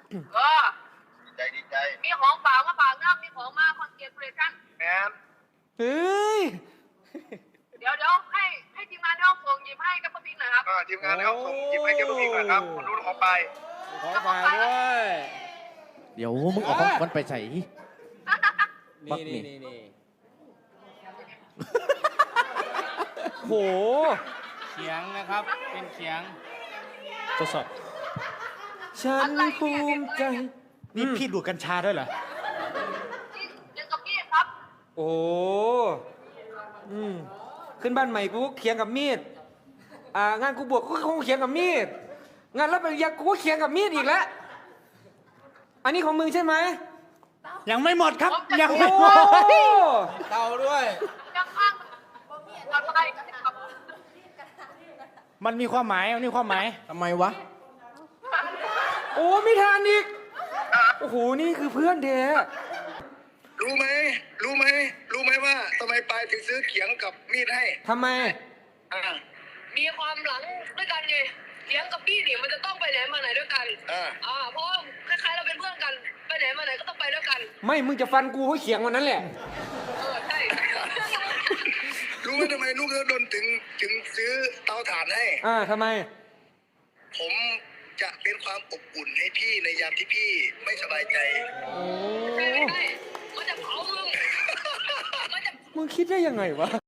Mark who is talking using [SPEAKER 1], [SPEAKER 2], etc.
[SPEAKER 1] เออดีใจมีของฝากมาฝากนะมีของมาคอนเกรสชั่นแมน
[SPEAKER 2] เฮ้ย
[SPEAKER 1] เดี๋ยวให้ทีมงานในห้องส่งหยิบให้กับป้าพิงหน่อยครับทีมงานในห้องส่งหยิบให้กับป้าพิงหน่อยครับคุณรุ่นของไป
[SPEAKER 2] ของฝากด้วย
[SPEAKER 3] เดี๋ยวมึงเอาของมันไปใส่
[SPEAKER 2] นี่ โห
[SPEAKER 4] เขียงนะครับ เป็นเขียง
[SPEAKER 2] ทดสอบฉันภูมิใจ นี่พี่ดูดกัญชาด้วยเหรอ
[SPEAKER 1] เดี๋ยวกับพี่ครับ
[SPEAKER 2] โอ้ขึ้นบ้านใหม่กูเขียงกับมีด งานกูบวชกูก็คงเขียงกับมีด งานรับปริญญากูก็เขียงกับมีดอีกแล้ว อันนี้ของมึงใช่ไหม
[SPEAKER 4] ยังไม่หมดครับ ยัง
[SPEAKER 2] โอ้
[SPEAKER 4] ไม่หมด
[SPEAKER 2] เต่าด้วย
[SPEAKER 1] ยังข้างอะไรครับ
[SPEAKER 4] มันมีความหมาย
[SPEAKER 3] ทำไมวะ
[SPEAKER 2] โอ้ไม่ทานอีก โอ้โห นี่คือเพื่อนแท้
[SPEAKER 5] รู้ไหมว่าทำไมปายถึงซื้อเขียงกับมีดให้
[SPEAKER 2] ทำไม
[SPEAKER 1] มีความหลังด้วยกันไงเลี้ยงกับพี่เนี่ยมันจะต้องไปไหนมาไหนด้วยกันเพราะคล้ายๆเราเป็นเพื่อนกันไปไหนมาไหนก็ต้องไปด้วยกัน
[SPEAKER 2] ไม่ มึงจะฟันกูเพราะเขียงวันนั้นแหละ
[SPEAKER 1] ใช่
[SPEAKER 5] รู้ไหมทำไมลูกเดินถึงซื้อเตาถ่านให้
[SPEAKER 2] ทำไม
[SPEAKER 5] ผมจะเป็นความอบอุ่นให้พี่ในยามที่พี่ไม่สบายใจ
[SPEAKER 1] ใช่มันจะเผามึง
[SPEAKER 2] มึงคิดได้ยังไงวะ